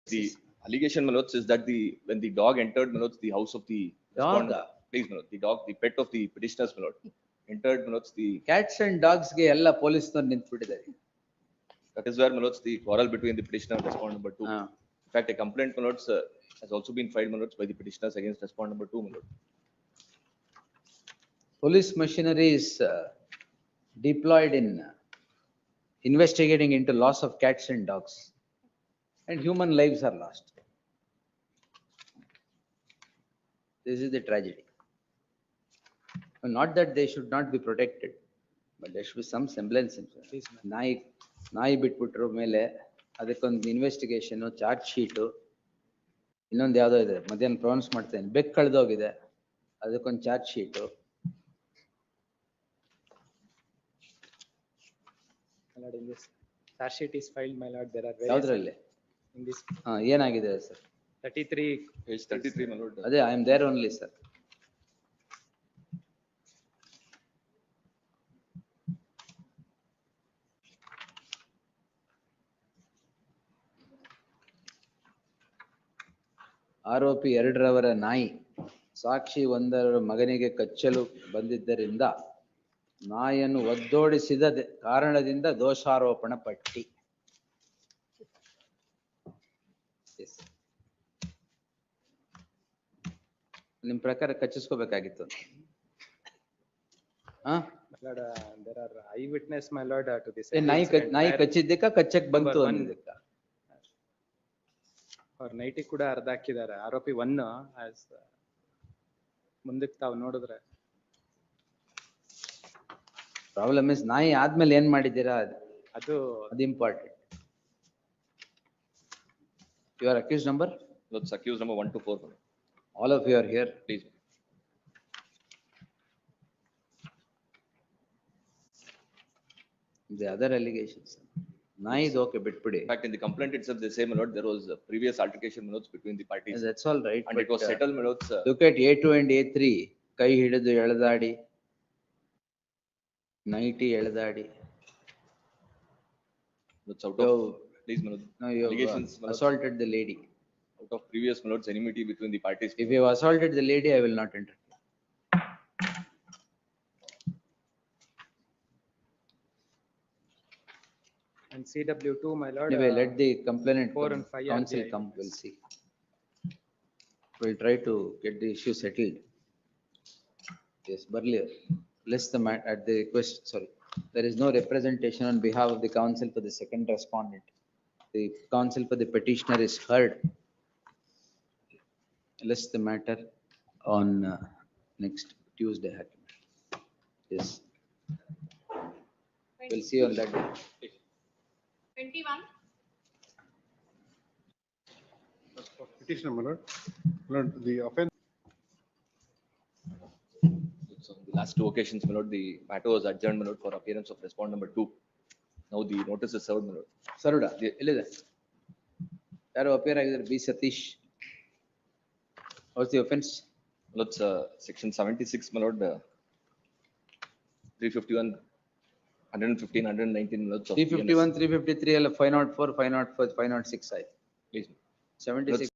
The allegation, Manoj, is that when the dog entered, Manoj, the house of the respondent, please, Manoj, the dog, the pet of the petitioners, Manoj, entered, Manoj, the Cats and dogs ಗೆ ಎಲ್ಲ ಪೊಲೀಸ್ನವರು ನಿಂತ್ಬಿಟ್ಟಿದ್ದಾರೆ. that is where, Manoj, the quarrel between the petitioner and respondent number 2. In fact, a complaint, Manoj, has also been filed, Manoj, by the petitioners against respondent number 2, Manoj. Police machinery is deployed in investigating into loss of cats and dogs, and human lives are lost. This is the tragedy. Not that they should not be protected, but there should be some semblance. ನಾಯಿ ಬಿಟ್ಬಿಟ್ರು ಮೇಲೆ ಅದಕ್ಕೊಂದು investigation, charge sheet, ಇನ್ನೊಂದು ಯಾವುದೋ ಇದೆ, ಮಧ್ಯಾಹ್ನ pronounce ಮಾಡ್ತೇನೆ, bag ಕಳೆದೋಗಿದೆ, ಅದಕ್ಕೊಂದು charge sheet. In this charge sheet is filed, my lord. There are ಯಾವುದ್ರಲ್ಲಿ in this ಏನಾಗಿದೆ ಸರ್? 33 Page 33, Manoj. ಅದೇ I am there only sir. ಆರೋಪಿ 2ರವರ ನಾಯಿ ಸಾಕ್ಷಿ 1ರ ಮಗನಿಗೆ ಕಚ್ಚಲು ಬಂದಿದ್ದರಿಂದ ನಾಯಿಯನ್ನು ಒದ್ದೋಡಿಸಿದ ಕಾರಣದಿಂದ ದೋಷಾರೋಪಣ ಪಟ್ಟಿ. ನಿಮ್ ಪ್ರಕಾರ ಕಚ್ಚಿಸ್ಕೋಬೇಕಾಗಿತ್ತು. there are eyewitness, my lord, to this. ನಾಯಿ ಕಚ್ಚಿದ್ದಕ್ಕ ಕಚ್ಚಕ್ ಬಂತು ಅನ್ನೋದಕ್ಕ ಅವ್ರ ನೈಟಿ ಕೂಡ ಅರ್ಧ ಹಾಕಿದ್ದಾರೆ. ಆರೋಪಿ 1 ಮುಂದಕ್ಕೆ ತಾವು ನೋಡಿದ್ರೆ ಪ್ರಾಬ್ಲಮ್ ಇಸ್ ನಾಯಿ ಆದ್ಮೇಲೆ ಏನ್ ಮಾಡಿದ್ದೀರಾ ಅದು important. Your accused number? That's accused number 1 to 4, Manoj. All of you are here, Please. The other allegations. Nayi is okay, bitpidi. In fact, in the complaint itself, they say, Manoj, there was a previous altercation, Manoj, between the parties. That's all right. And it was settled, Manoj. Look at A2 and A3. ಕೈ ಹಿಡಿದು ಎಳೆದಾಡಿ, nightie ಎಳೆದಾಡಿ. That's out of, please, Manoj. No, you allegations, Manoj, assaulted the lady. out of previous, Manoj, enmity between the parties. If you have assaulted the lady, I will not enter. and CW2, my lord. Anyway, let the complainant 4 and 5 counsel RGI. come, we'll see. We'll try to get the issue settled. Yes, Burlier, less the at the request, sorry, there is no representation on behalf of the counsel for the second respondent. The counsel for the petitioner is heard. Less the matter on next Tuesday. Yes. We'll see you on that day. 21. Petitioner, my lord. Lord, the offense. So the last 2 occasions, Manoj, the matter was adjourned, Manoj, for appearance of respondent number 2. Now the notice is served, Manoj. Saruda, ಎಲ್ಲಿದೆ? ಯಾರು appear ಆಗಿದ್ದಾರೆ? B Satish. What's the offense? Manoj, section 76, Manoj, 351, 115, 119, Manoj. of 351, 353 ಎಲ್ಲ 504, 506 ಆಯ್ತು. Please. 76.